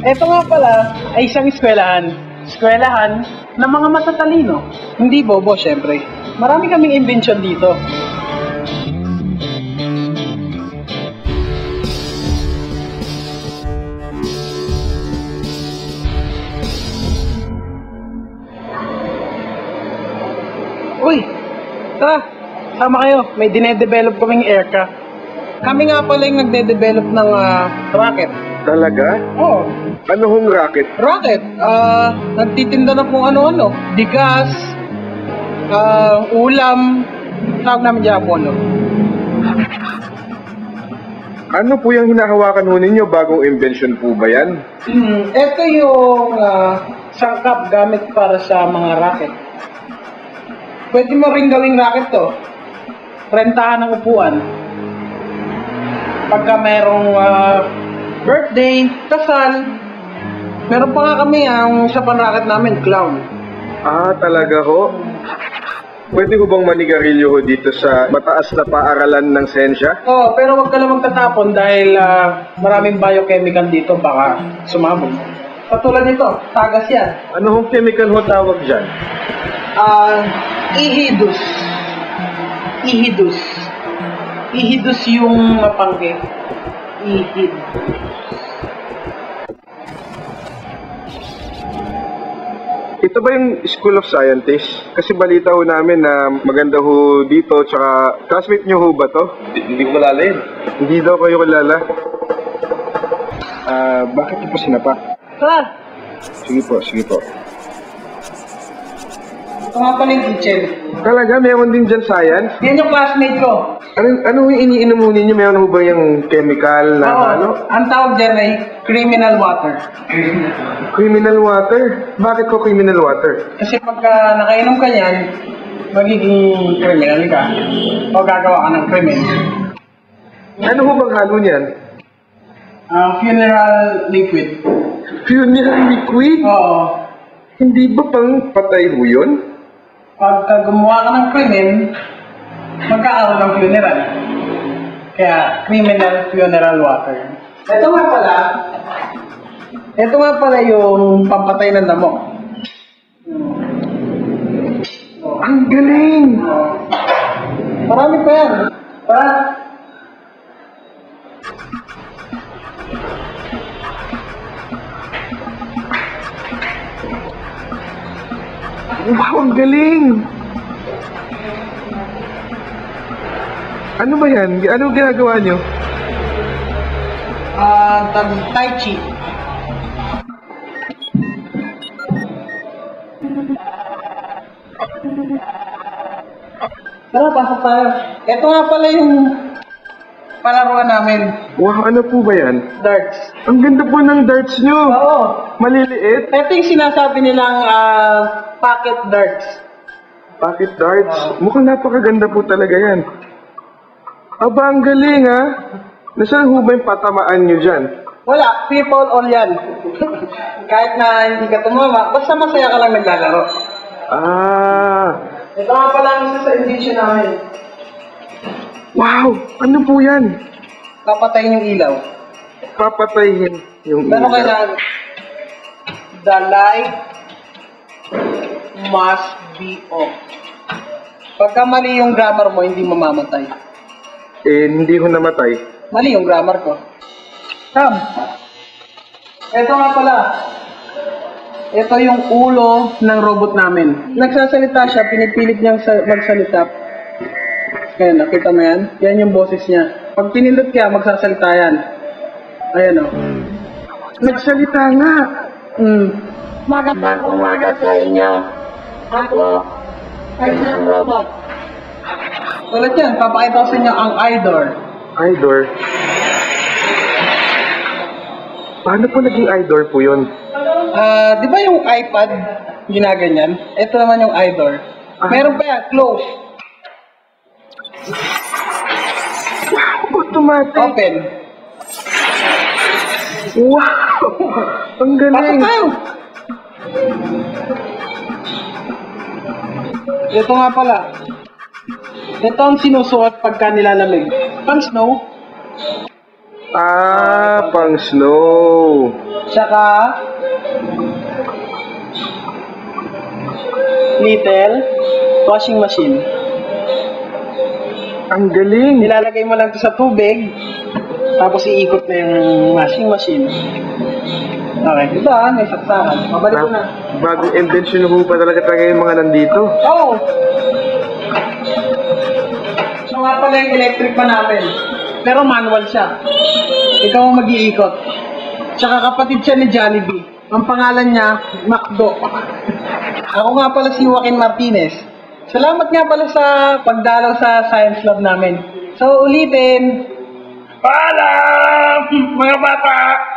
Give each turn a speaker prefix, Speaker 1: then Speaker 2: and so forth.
Speaker 1: Ito nga pala ay isang eskwelahan. Eskwelahan ng mga matatalino. Hindi bobo, syempre. Marami kaming invention dito. Uy, tara, sama kayo. May dinedevelop kaming aircraft. Kami nga pala yung nagde-develop ng rocket.
Speaker 2: Talaga?
Speaker 1: Oo,
Speaker 2: Ano hong racket?
Speaker 1: rocket. Nagtitinda na kung ano-ano. Bigas, ulam, tawag namin dyan Apollo.
Speaker 2: Ano po yung hinahawakan ho ninyo? Bagong invention po ba yan?
Speaker 1: Ito yung sangkap gamit para sa mga rocket. Pwede mo rin gawing rocket to. Rentahan ng upuan. Pagka mayroong birthday, kasal. Meron pa nga kami ang isa pang rocket namin, clown.
Speaker 2: Ah, talaga ho? Pwede ko bang manigarilyo ho dito sa mataas na paaralan ng sensya?
Speaker 1: Oo, pero wag ka lang magtatapon dahil maraming biochemical dito, baka sumabog. Katulad nito, tagas yan.
Speaker 2: Ano hong chemical ho tawag dyan?
Speaker 1: Ihidus. Ihidus. Ihidus yung mapangge. Ihidus.
Speaker 2: Ito ba yung School of Scientists? Kasi balita ho namin na maganda ho dito, tsaka classmate nyo ho ba to?
Speaker 3: Hindi ko malala yun.
Speaker 2: Hindi daw kayo kilala. Bakit niyo po sinapa?
Speaker 1: Tara!
Speaker 2: Sige po, sige po.
Speaker 1: Ito nga pala yung kitchen.
Speaker 2: Talaga, meron din dyan science?
Speaker 1: Yan yung classmate ko.
Speaker 2: Ano yung iniinom ho ninyo? Meron ho ba yung chemical na
Speaker 1: Oo,
Speaker 2: ano?
Speaker 1: ang tawag dyan ay criminal water.
Speaker 2: Criminal water? Bakit ko criminal water?
Speaker 1: Kasi pagka nakainom ka yan, magiging criminal ka. O gagawa ka ng krimen.
Speaker 2: Ano ho bang halo niyan?
Speaker 1: Funeral liquid.
Speaker 2: Funeral liquid?
Speaker 1: Oo.
Speaker 2: Hindi ba pang patay ho yun?
Speaker 1: Pagka gumawa ka ng krimen, magkakaroon ng funeral. Kaya, criminal funeral water. Ito nga pala yung pampatay ng damo.
Speaker 2: Ang galing!
Speaker 1: Marami pa yan. Para,
Speaker 2: Wow, ang galing! Ano ba yan? Ano ginagawa nyo?
Speaker 1: Tai Chi. Tara, pasok tayo. Ito nga pala yung palaruan namin.
Speaker 2: Wow, ano po ba yan?
Speaker 1: Darts.
Speaker 2: Ang ganda po ng darts nyo!
Speaker 1: Oo.
Speaker 2: Maliliit?
Speaker 1: Ito yung sinasabi nilang pocket darts.
Speaker 2: Pocket darts? Mukhang napakaganda po talaga yan. Aba, ang galing ha! Nasaan ho ba yung patamaan nyo dyan?
Speaker 1: Wala, people all yan. Kahit na hindi ka tumama, basta masaya ka lang naglalaro.
Speaker 2: Ah!
Speaker 1: Ito nga pala ang isa sa invention namin.
Speaker 2: Wow! Ano po yan?
Speaker 1: Papatayin yung ilaw.
Speaker 2: Papatayin yung
Speaker 1: Pero
Speaker 2: ilaw.
Speaker 1: kailangan, the light must be off. Pagka mali yung grammar mo, hindi mamamatay.
Speaker 2: Eh, hindi ko namatay.
Speaker 1: Mali yung grammar ko. Sam, ito nga pala. Ito yung ulo ng robot namin. Nagsasalita siya, pinipilit niyang magsalita. Ayan, nakita mo yan? Yan yung boses niya. Pag pinindot ka, magsasalita yan. Ayan o.
Speaker 2: Nagsalita nga!
Speaker 4: Magandang umaga sa inyo. Ako ay isang robot.
Speaker 1: Tulad yan, papakita ko sa inyo ang idol.
Speaker 2: Idor? Paano po naging idol po yun?
Speaker 1: Di ba yung iPad, ginaganyan? Ito naman yung idol. Meron pa yan, close,
Speaker 2: Automatic!
Speaker 1: open.
Speaker 2: Wow! Ang
Speaker 1: Pasok
Speaker 2: galing!
Speaker 1: tayo! Ito nga pala. Ito ang sinusuot pagka nilalamig. Pang snow.
Speaker 2: Ah, pang snow.
Speaker 1: Tsaka, little washing machine.
Speaker 2: Ang galing.
Speaker 1: Nilalagay mo lang ito sa tubig, tapos iikot na yung washing machine. Okay, ito may saksakan. Mabalik ko na.
Speaker 2: Bagong invention ho pa talaga yung mga nandito.
Speaker 1: Oo! So nga pala yung electric pa natin. Pero manual siya. Ikaw ang mag-iikot. Tsaka kapatid siya ni Jollibee. Ang pangalan niya, Macdo. Ako nga pala si Joaquin Martinez. Salamat nga pala sa pagdalaw sa science lab namin. So ulitin. Paalam, mga bata!